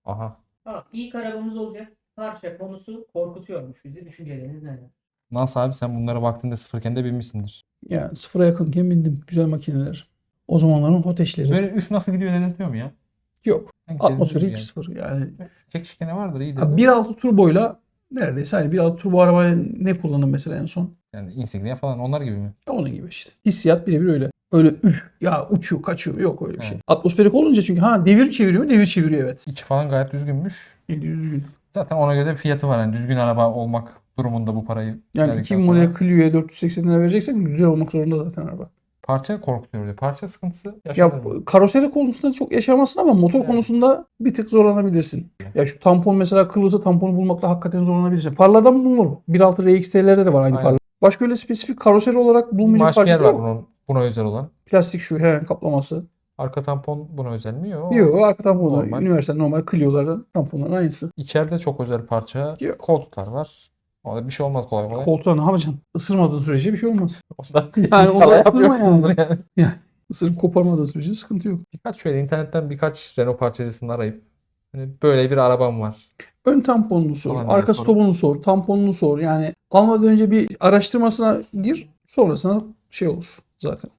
Aha. Tamam, ilk arabamız olacak. Porsche konusu korkutuyormuş bizi. Düşünceleriniz neler? Nasıl abi, sen bunlara vaktinde sıfırken de binmişsindir. Yani sıfıra yakınken bindim. Güzel makineler. O zamanların Hoteş'leri. Böyle üf nasıl gidiyor dedirtiyor mu ya? Yok. Sanki Atmosferi yani. 2.0 yani. Çekişkeni vardır, iyidir. 1.6 turboyla neredeyse hani 1.6 turbo arabayla ne kullandım mesela en son? Yani Insignia falan onlar gibi mi? Onun gibi işte. Hissiyat birebir öyle. Öyle üf ya uçuyor kaçıyor yok öyle bir şey. Evet. Atmosferik olunca çünkü devir çeviriyor mu? Devir çeviriyor evet. İçi falan gayet düzgünmüş. 700 gün. Zaten ona göre bir fiyatı var. Yani düzgün araba olmak durumunda bu parayı Yani verdikten 2000 sonra model Clio'ya 480 lira vereceksen güzel olmak zorunda zaten araba. parça korkutuyor diyor. Parça sıkıntısı Ya yaşanır mı? karoseri konusunda çok yaşamazsın ama motor Evet. konusunda bir tık zorlanabilirsin. Ya şu tampon mesela kırılırsa tamponu bulmakta hakikaten zorlanabilirsin. Farlardan bulunur. 1.6 RXT'lerde de var aynı Aynen. farlar. Başka öyle spesifik karoseri olarak Bir bulunmayacak maşger parçası var yok. buna özel olan. Plastik şu hemen kaplaması. Arka tampon buna özel mi? Yok. Yok arka tamponu da Normal. üniversal normal Clio'ların tamponların aynısı. İçeride çok özel parça. Yok. Koltuklar var. Orada bir şey olmaz kolay kolay. Koltuğa ne yapacaksın? Isırmadığın sürece bir şey olmaz. Onda Yani onda inşallah ısırma yapıyorsunuzdur yani. Isırıp koparmadığın sürece sıkıntı yok. Şöyle internetten birkaç Renault parçacısını arayıp hani böyle bir arabam var. Ön tamponunu sor, Falan diye arka sorup- stopunu sor, tamponunu sor. Yani almadan önce bir araştırmasına gir, sonrasında şey olur zaten.